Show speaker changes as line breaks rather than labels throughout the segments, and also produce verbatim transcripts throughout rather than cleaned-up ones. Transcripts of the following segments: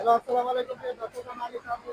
Hello, আসসালামু আলাইকুম প্রিয় দর্শক। আমি আলী শাহ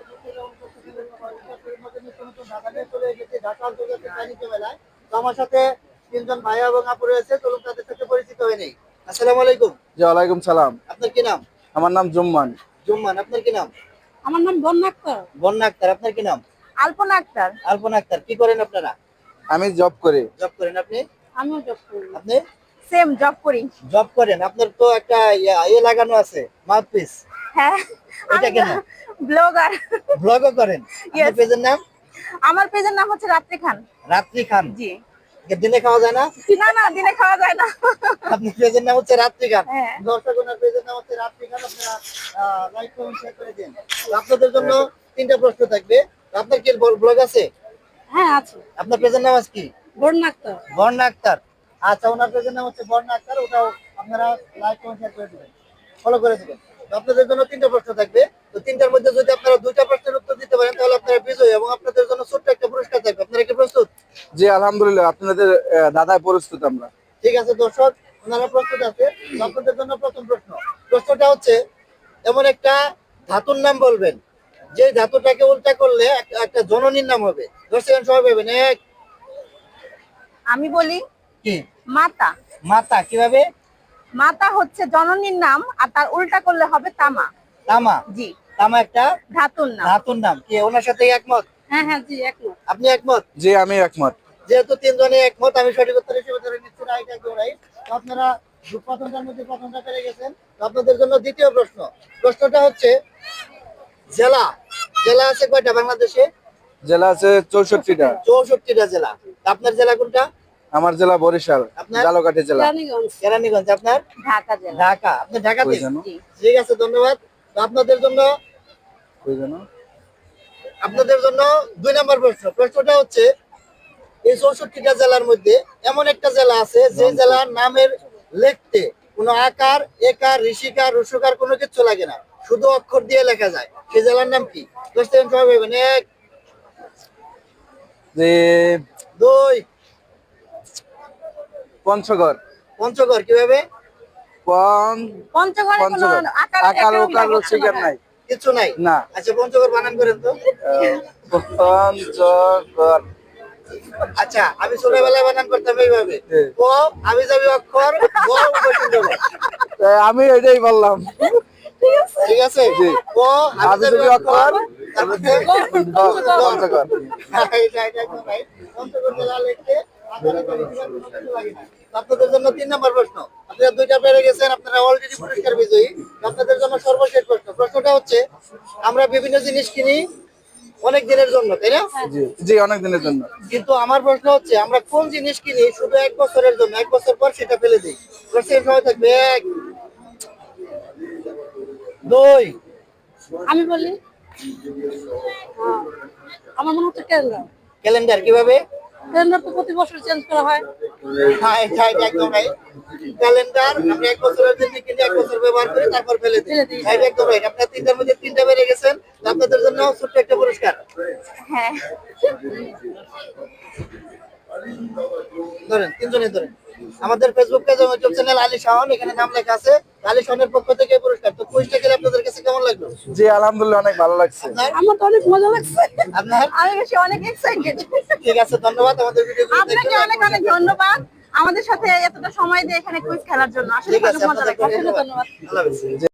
ঢাকা নিয়ে চলে এসেছি ঢাকা আন্তর্জাতিক বাণিজ্য মেলায়। তো আমার সাথে তিনজন ভাইয়া এবং আপু রয়েছে, চলুন তাদের সাথে পরিচিত হয়ে নেই। আসসালামু আলাইকুম।
জি ওয়ালাইকুম সালাম।
আপনার কি নাম?
আমার নাম জুম্মান।
জুম্মান। আপনার কি নাম?
আমার নাম বন্যা আক্তার।
বন্যা আক্তার। আপনার কি নাম?
আলপনা আক্তার।
আলপনা আক্তার। কি করেন আপনারা?
আমি জব করি।
জব করেন। আপনি?
আমিও জব করি।
আপনি
সেম জব করি।
জব করেন। আপনার তো একটা ইয়া- ইয়ে লাগানো আছে, মাউথপিস।
হ্যাঁ।
এটা কেন?
ব্লগার।
ব্লগও করেন? আপনার
Yes.
পেজের নাম?
আমার পেজের নাম হচ্ছে রাত্রি খান।
রাত্রি খান।
জি।
দিনে খাওয়া যায় না?
না না, দিনে খাওয়া যায় না।
আপনার পেজের নাম হচ্ছে রাত্রি খান।
হ্যাঁ।
দর্শক ওনার পেজের নাম হচ্ছে রাত্রি খান। আপনারা লাইক কমেন্ট শেয়ার করে দিন। তো আপনাদের জন্য তিনটা প্রশ্ন থাকবে। তো আপনার কি ব্লগ আছে?
হ্যাঁ আছে।
আপনার পেজের নাম আছে কি?
বন্যা আক্তার।
বর্ণা আক্তার। আচ্ছা, ওনার পেজের নাম হচ্ছে বর্ণা আক্তার। ওটাও আপনারা লাইক কমেন্ট শেয়ার করে দিবেন, ফলো করে দিবেন। তো আপনাদের জন্য তিনটা প্রশ্ন থাকবে। তো তিনটার মধ্যে যদি আপনারা দুইটা প্রশ্নের উত্তর দিতে পারেন তাহলে আপনারা বিজয়ী এবং আপনাদের জন্য ছোট্ট একটা পুরস্কার থাকবে। আপনারা কি প্রস্তুত?
জি আলহামদুলিল্লাহ, আপনাদের আহ, দাদায় প্রস্তুত আমরা।
ঠিক আছে দর্শক, ওনারা প্রস্তুত আছে। তো আপনাদের জন্য প্রথম প্রশ্ন। প্রশ্নটা হচ্ছে, এমন একটা ধাতুর নাম বলবেন যে ধাতুটাকে উল্টা করলে একটা একটা জননীর নাম হবে। দশ সেকেন্ড সময় পাবেন। এক।
আমি বলি
কি?
মাতা।
মাতা। কিভাবে?
মাতা হচ্ছে জননীর নাম আর তার উল্টা করলে হবে তামা।
তামা।
জি।
তামা একটা
ধাতুর নাম।
ধাতুর নাম। কি ওনার সাথে একমত?
হ্যাঁ হ্যাঁ জি একমত।
আপনি একমত?
জি আমি একমত।
যেহেতু তিনজনে একমত, আমি সঠিক উত্তর হিসেবে ধরে নিচ্ছি রাইট একদম রাইট। তো আপনারা প্রথমটার মধ্যে প্রথমটা পেরে গেছেন। তো আপনাদের জন্য দ্বিতীয় প্রশ্ন। প্রশ্নটা হচ্ছে, জেলা জেলা আছে কয়টা বাংলাদেশে?
জেলা আছে চৌষট্টিটা।
চৌষট্টিটা জেলা। তা আপনার জেলা কোনটা?
আমার জেলা বরিশাল,
আপনার?
জালকাঠি জেলা।
কেরানীগঞ্জ।
কেরানীগঞ্জ। আপনার?
ঢাকা জেলা।
ঢাকা। আপনি ঢাকাতে?
কই জানো?
জি।
ঠিক আছে, ধন্যবাদ। তো আপনাদের জন্য
কই জানো?
আপনাদের জন্য দুই নম্বর প্রশ্ন। প্রশ্নটা হচ্ছে, এই চৌষট্টিটা জেলার মধ্যে এমন একটা জেলা আছে যে জেলার নামের লিখতে কোনো আকার, একার, ঋষিকার, রসুকার কোনো কিছু লাগে না, শুধু অক্ষর দিয়ে লেখা যায়। সেই জেলার নাম কি? দশ সেকেন্ড সময় পাবেন। এক।
যে
দুই।
পঞ্চগড়।
পঞ্চগড়। কিভাবে?
পন
পঞ্চগড়ে কোনো
পঞ্চগড়।
আকার
আকার
একার
ওকার
লাগে
রসিকার
না।
নাই।
কিছু নাই?
না।
আচ্ছা, পঞ্চগড় বানান করেন তো।
আহ, পঞ্চগড়।
আচ্ছা, আমি ছোটবেলায় বানান করতাম এইভাবে।
জি।
ক আমি যাবি অক্ষর, গ উপসর্গ।
তাই আমি এটাই বললাম।
ঠিক আছে?
জি।
ক আমি
আমি
যাবি
যাবি
অক্ষর,
অক্ষর,
তারপরে
পঞ্চগড়।
এটা এটা একদম রাইট। পঞ্চগড় জেলা লিখতে আকার, একার, ঋষিকার কোনো কিছু লাগে না। তো আপনাদের জন্য তিন নম্বর প্রশ্ন। আপনারা দুইটা পেরে গেছেন, আপনারা অলরেডি পুরস্কার বিজয়ী। তো আপনাদের জন্য সর্বশেষ প্রশ্ন। প্রশ্নটা হচ্ছে, আমরা বিভিন্ন জিনিস কিনি অনেক দিনের জন্য, তাই না?
জি জি অনেক দিনের জন্য।
কিন্তু আমার প্রশ্ন হচ্ছে, আমরা কোন জিনিস কিনি শুধু এক বছরের জন্য, এক বছর পর সেটা ফেলে দিই? প্রশ্নের সময় থাকবে। এক। দুই।
আমি বলি আহ, আমার মনে হচ্ছে ক্যালেন্ডার।
ক্যালেন্ডার। কিভাবে?
ক্যালেন্ডার তো প্রতি বছর চেঞ্জ করা হয়।
হ্যাঁ, এটা এটা একদম রাইট। ক্যালেন্ডার আমরা এক বছরের জন্য কিনে এক বছর ব্যবহার করি, তারপর ফেলে দিই।
ফেলে দিই।
হ্যাঁ, এটা একদম রাইট। আপনারা তিনটার মধ্যে তিনটা বেড়ে গেছেন। তো আপনাদের জন্য ছোট্ট একটা পুরস্কার।
হ্যাঁ।
ধরেন, তিনজনে ধরেন। আমাদের ফেসবুক পেজ এবং ইউটিউব চ্যানেল আলী শাওন, এখানে নাম লেখা আছে। আলী শাওনের পক্ষ থেকে এই পুরস্কার। তো কুইজটা খেলে আপনাদের কাছে কেমন লাগলো?
জি আলহামদুলিল্লাহ, অনেক ভালো লাগছে।
আপনার?
আমার তো অনেক মজা লাগছে।
আপনার?
আমি বেশি অনেক এক্সাইটেড।
ঠিক আছে, ধন্যবাদ আমাদের ভিডিও
আপনাকে অনেক অনেক ধন্যবাদ আমাদের সাথে এতটা সময় দিয়ে এখানে কুইজ খেলার জন্য। আসলে
ঠিক
খুব
আছে,
মজা লাগছে।
আপনাদের
অসংখ্য ধন্যবাদ।
আল্লাহ হাফেজ।